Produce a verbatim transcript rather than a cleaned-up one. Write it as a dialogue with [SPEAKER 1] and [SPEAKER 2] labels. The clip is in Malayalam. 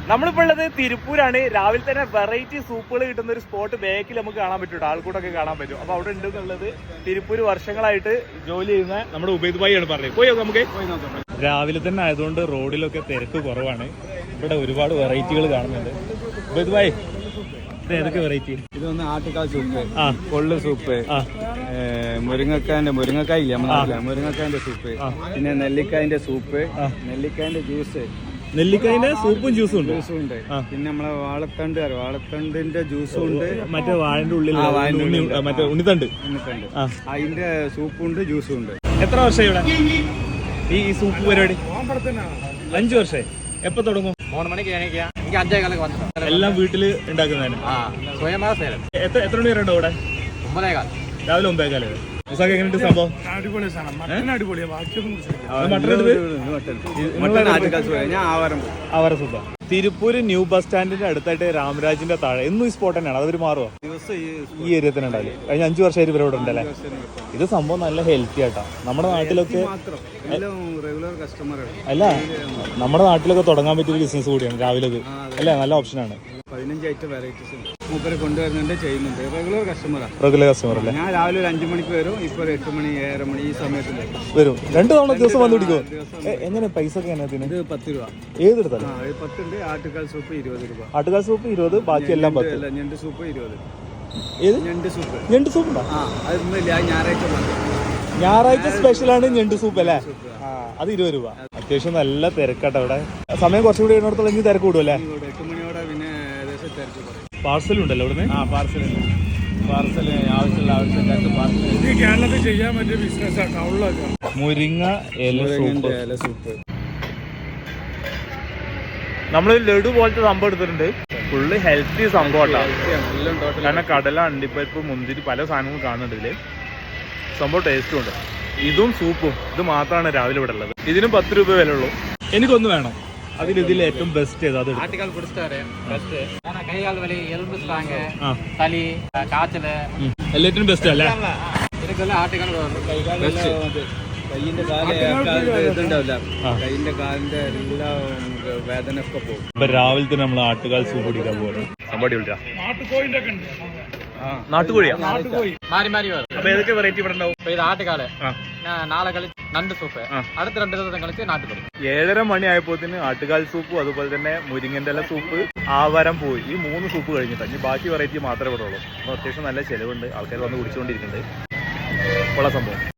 [SPEAKER 1] നമ്മളിപ്പോൾ ഉള്ളത് തിരുപ്പൂരാണ്. രാവിലെ തന്നെ വെറൈറ്റി സൂപ്പുകൾ കിട്ടുന്ന ഒരു സ്പോട്ട് ബാക്കിൽ നമുക്ക് കാണാൻ പറ്റും, ആൾക്കൂട്ടൊക്കെ കാണാൻ പറ്റും. അപ്പൊ അവിടെ ഉണ്ട് എന്നുള്ളത് തിരുപ്പൂര് വർഷങ്ങളായിട്ട് ജോലി ചെയ്യുന്ന നമ്മുടെ ഉബൈദ് ഭായി ആണ് പറഞ്ഞത്. പോയി നമുക്ക് രാവിലെ തന്നെ ആയതുകൊണ്ട് റോഡിലൊക്കെ തിരക്ക് കുറവാണ്. ഇവിടെ ഒരുപാട് വെറൈറ്റികൾ കാണുന്നുണ്ട്. ഉബൈദ് ഭായി, ഇത് ഏതൊക്കെ വെറൈറ്റി?
[SPEAKER 2] ഇത് വന്ന് ആട്ടുകാൽ സൂപ്പ്, കൊള്ളു സൂപ്പ്, മുരിങ്ങക്കായന്റെ മുരിങ്ങക്കായ ഇല്ല നമ്മുടെ മുരിങ്ങക്കായന്റെ സൂപ്പ്, പിന്നെ നെല്ലിക്കായന്റെ സൂപ്പ്, നെല്ലിക്കായന്റെ ജ്യൂസ്.
[SPEAKER 1] നെല്ലിക്കായന്റെ സൂപ്പും ജ്യൂസും ഉണ്ട്.
[SPEAKER 2] ജ്യൂസും ഉണ്ട്. പിന്നെ നമ്മളെ വാഴത്തണ്ട് വാഴത്തണ്ടിന്റെ ജ്യൂസും ഉണ്ട്.
[SPEAKER 1] മറ്റേ വാഴന്റെ ഉള്ളിൽ മറ്റേ ഉണ്ണിത്തണ്ട്
[SPEAKER 2] ഉണ്ണിത്തണ്ട് അതിന്റെ സൂപ്പും ഉണ്ട്, ജ്യൂസും ഉണ്ട്.
[SPEAKER 1] എത്ര വർഷമായി ഇവിടെ ഈ സൂപ്പ് പരിപാടി? അഞ്ചു വർഷമായി. എപ്പൊ തുടങ്ങും?
[SPEAKER 3] മൂന്ന് മണിക്ക് എണീക്കുക. എനിക്ക് അഞ്ചേ കാലൊക്കെ വന്നിട്ടുണ്ട്.
[SPEAKER 1] എല്ലാം വീട്ടില് ഉണ്ടാക്കുന്നതിന് എത്ര എത്ര മണി വരെ ഉണ്ടോ ഇവിടെ?
[SPEAKER 3] ഒമ്പതേകാൽ
[SPEAKER 1] രാവിലെ ഒമ്പതേകാല്. എങ്ങനെയുണ്ട് സംഭവം? ആവാര സൂപ്പ. തിരുപ്പൂര് ന്യൂ ബസ് സ്റ്റാൻഡിന്റെ അടുത്തായിട്ട് രാമരാജിന്റെ താഴെ എന്നും ഈ സ്പോട്ട് തന്നെയാണ്. അതൊരു മാറുമോ? ഈ ഏരിയ തന്നെ ഉണ്ടാവില്ലേ? കഴിഞ്ഞ അഞ്ചു വർഷമായിട്ട് ഇവരോട് ഉണ്ടല്ലേ? ഇത് സംഭവം നല്ല ഹെൽത്തി ആട്ടാ. നമ്മുടെ നാട്ടിലൊക്കെ അല്ല നമ്മുടെ നാട്ടിലൊക്കെ തുടങ്ങാൻ പറ്റിയ ബിസിനസ് കൂടിയാണ് രാവിലെ. ഇത് അല്ലേ? നല്ല ഓപ്ഷനാണ്.
[SPEAKER 2] പതിനഞ്ച് ഐറ്റം വെറൈറ്റീസ് മൂപ്പര് കൊണ്ടുവരുന്നുണ്ട്, ചെയ്യുന്നുണ്ട്. റെഗുലർ കസ്റ്റമറാണ്.
[SPEAKER 1] റെഗുലർ കസ്റ്റമർ അല്ലേ?
[SPEAKER 2] ഞാൻ രാവിലെ ഒരു അഞ്ചു മണിക്ക് വരും. ഇപ്പൊ ഒരു എട്ട് മണി ഏഴര മണി ഈ സമയത്ത്
[SPEAKER 1] വരും. രണ്ടു തവണ ദിവസം വന്നു പിടിക്കുമോ? എങ്ങനെ പൈസ ഒക്കെ?
[SPEAKER 2] ഇത് പത്ത് രൂപ
[SPEAKER 1] ഏതെടുത്താലും
[SPEAKER 2] പത്തുണ്ട്. ആട്ടുകാൽ സൂപ്പ് ഇരുപത് രൂപ.
[SPEAKER 1] ആട്ടുകാൽ സൂപ്പ് ഇരുപത്, ബാക്കി എല്ലാം പത്ത്.
[SPEAKER 2] ഞണ്ട് സൂപ്പ് ഇരുപത്.
[SPEAKER 1] ഏത്
[SPEAKER 2] ഞണ്ട് സൂപ്പ്?
[SPEAKER 1] ഞണ്ട് സൂപ്പ് ഉണ്ടോ?
[SPEAKER 2] ആ അതൊന്നുമില്ല, ഞായറാഴ്ച
[SPEAKER 1] ഞായറാഴ്ച സ്പെഷ്യലാണ് ഞണ്ട് സൂപ്പ് അല്ലേ? അത് ഇരുപത് രൂപ. അത്യാവശ്യം നല്ല തിരക്കാട്ടോ ഇവിടെ. സമയം കുറച്ചുകൂടി ഇടത്തോളം ഇനി തിരക്ക് കൂടുമല്ലേ?
[SPEAKER 2] എട്ട് മണിയോടെ പിന്നെ ഏകദേശം തിരക്ക് പറയും.
[SPEAKER 1] പാർസൽ ഉണ്ടല്ലോ ഇവിടുന്ന്?
[SPEAKER 2] ആ പാർസൽ പാർസൽ ആവശ്യമുള്ള ആവശ്യക്കാർക്ക് പാർസൽ കേരളത്തിൽ ചെയ്യാൻ പറ്റിയ ബിസിനസ്സാണ്.
[SPEAKER 1] മുരിങ്ങ ഇല
[SPEAKER 2] സൂപ്പ്.
[SPEAKER 1] നമ്മള് ലഡു പോലത്തെ സംഭവം എടുത്തിട്ടുണ്ട്. ഫുള്ള് ഹെൽത്തി സംഭവമാണ്. കാരണം കടല, അണ്ടിപ്പരിപ്പ്, മുന്തിരി പല സാധനങ്ങളും കാണുന്നുണ്ട് ഇതില്. സംഭവം ടേസ്റ്റും ഉണ്ട്. ഇതും സൂപ്പും ഇത് മാത്രമാണ് രാവിലെ ഇവിടെ ഉള്ളത്. ഇതിനും പത്ത് രൂപ വില ഉള്ളൂ. എനിക്കൊന്ന് വേണം. അതിൽ ഇതിൽ ഏറ്റവും ബെസ്റ്റ് ഏതാ?
[SPEAKER 3] ആട്ടുകാൽ കുടിച്ചിട്ടാரு ബെസ്റ്റ്. കൈകാൽ വലി, എലുമ്പ് സ്ട്രാങ്, തലി, കാച്ചല്
[SPEAKER 1] എല്ലാറ്റിനും ബെസ്റ്റ് അല്ലേ?
[SPEAKER 3] ഇതൊക്കെ ആട്ടുകാൽ
[SPEAKER 2] കൈയിന്റെ ഇതുണ്ടാവില്ല, കൈയിന്റെ കാലിന്റെ എല്ലാ വേദന ഒക്കെ പോകും.
[SPEAKER 1] ഇപ്പൊ രാവിലെ തന്നെ നമ്മൾ ആട്ടുകാൽ സൂപ്പ് കുടിക്കാൻ പോകും. സംഭവം വിളിച്ചാ നാട്ടുകോഴിയാ?
[SPEAKER 3] മാറി മാറി വരും.
[SPEAKER 1] അപ്പൊ ഏതൊക്കെ വെറൈറ്റി ഇവിടെ ഉണ്ടാവും?
[SPEAKER 3] ഇത് ആട്ടുകാല്, നാളെ കളിച്ച് നണ്ട് സൂപ്പ്, അടുത്ത രണ്ട് ദിവസം കളിച്ച് നാട്ടുകോഴി.
[SPEAKER 1] ഏഴര മണി ആയപ്പോത്തിന് ആട്ടുകാൽ സൂപ്പും അതുപോലെ തന്നെ മുരിങ്ങന്റെ ഇല സൂപ്പ്, ആവാരം പോയി, ഈ മൂന്ന് സൂപ്പ് കഴിഞ്ഞിട്ടാണ്. ഇനി ബാക്കി വെറൈറ്റി മാത്രമേ ഇവിടെ ഉള്ളൂ. അപ്പൊ അത്യാവശ്യം നല്ല ചെലവുണ്ട്. ആൾക്കാർ വന്ന് കുടിച്ചുകൊണ്ടിരിക്കുന്നുണ്ട്. ഉള്ള സംഭവം